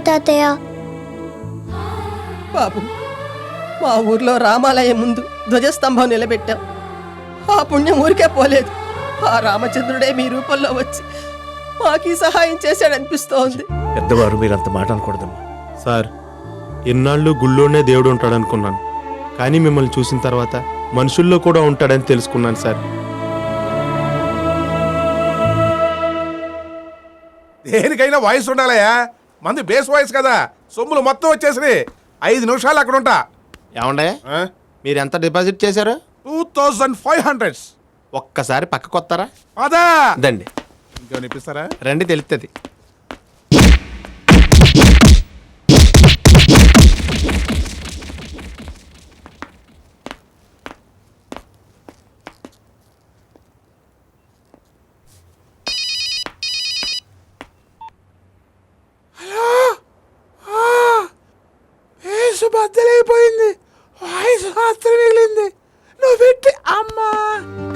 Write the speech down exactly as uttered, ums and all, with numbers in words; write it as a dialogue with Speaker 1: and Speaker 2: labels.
Speaker 1: తాతయ్య.
Speaker 2: బాబు, మా ఊర్లో రామాలయం ముందు ధ్వజస్తంభం నిలబెట్టాం. ఆ పుణ్యం ఊరికే పోలేదు. ఆ రామచంద్రుడే మీ రూపంలో వచ్చి మాకీ సహాయం చేశాడనిపిస్తోంది.
Speaker 3: పెద్దవారు మీరు అంత మాట అనకూడదమ్మా.
Speaker 4: సార్, ఎన్నాళ్ళు గుళ్ళోనే దేవుడు ఉంటాడనుకున్నాను, కానీ మిమ్మల్ని చూసిన తర్వాత మనుషుల్లో కూడా ఉంటాడని తెలుసుకున్నాను సార్.
Speaker 5: దేనికైనా వాయిస్ ఉండాలయా, మంది బేస్ వాయిస్ కదా. సొమ్ములు మొత్తం వచ్చేసి ఐదు నిమిషాలు అక్కడ ఉంటా.
Speaker 4: ఏమండే, మీరు ఎంత డిపాజిట్ చేశారు?
Speaker 5: Two thousand five hundreds.
Speaker 4: ఒక్కసారి పక్కకు వస్తారా?
Speaker 5: అదా
Speaker 4: దండి,
Speaker 5: ఇంకేమైనా ఇప్పిస్తారా?
Speaker 4: రండి, తెలుస్తుంది.
Speaker 5: బద్దలైపోయింది, వాయిస్ మాత్రం మిగిలింది. నువ్వు పెట్టి అమ్మా